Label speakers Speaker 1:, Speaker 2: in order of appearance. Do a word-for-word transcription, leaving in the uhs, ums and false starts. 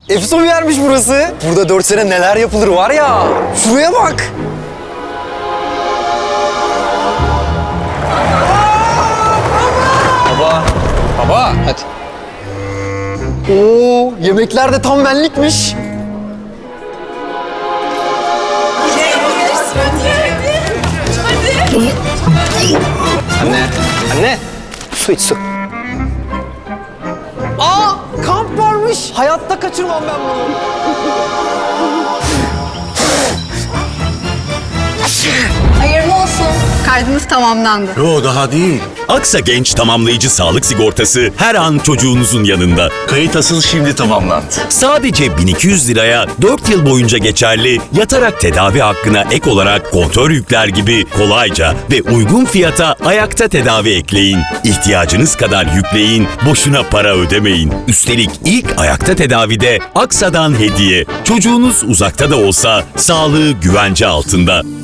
Speaker 1: Efso bir yermiş burası. Burada dört sene neler yapılır var ya. Şuraya bak. Baba. Baba. Hadi. Oo, yemekler de tam benlikmiş. Anne. Anne. Su iç su. Aa, kamp varmış. Hayatta kaçırmam ben bunu.
Speaker 2: Hayırlı olsun. Kaydınız tamamlandı.
Speaker 3: Yo, daha değil.
Speaker 4: Aksa Genç Tamamlayıcı Sağlık Sigortası her an çocuğunuzun yanında.
Speaker 3: Kayıt asıl şimdi tamamlandı.
Speaker 4: Sadece bin iki yüz liraya dört yıl boyunca geçerli yatarak tedavi hakkına ek olarak kontör yükler gibi kolayca ve uygun fiyata ayakta tedavi ekleyin. İhtiyacınız kadar yükleyin, boşuna para ödemeyin. Üstelik ilk ayakta tedavide Aksa'dan hediye. Çocuğunuz uzakta da olsa sağlığı güvence altında.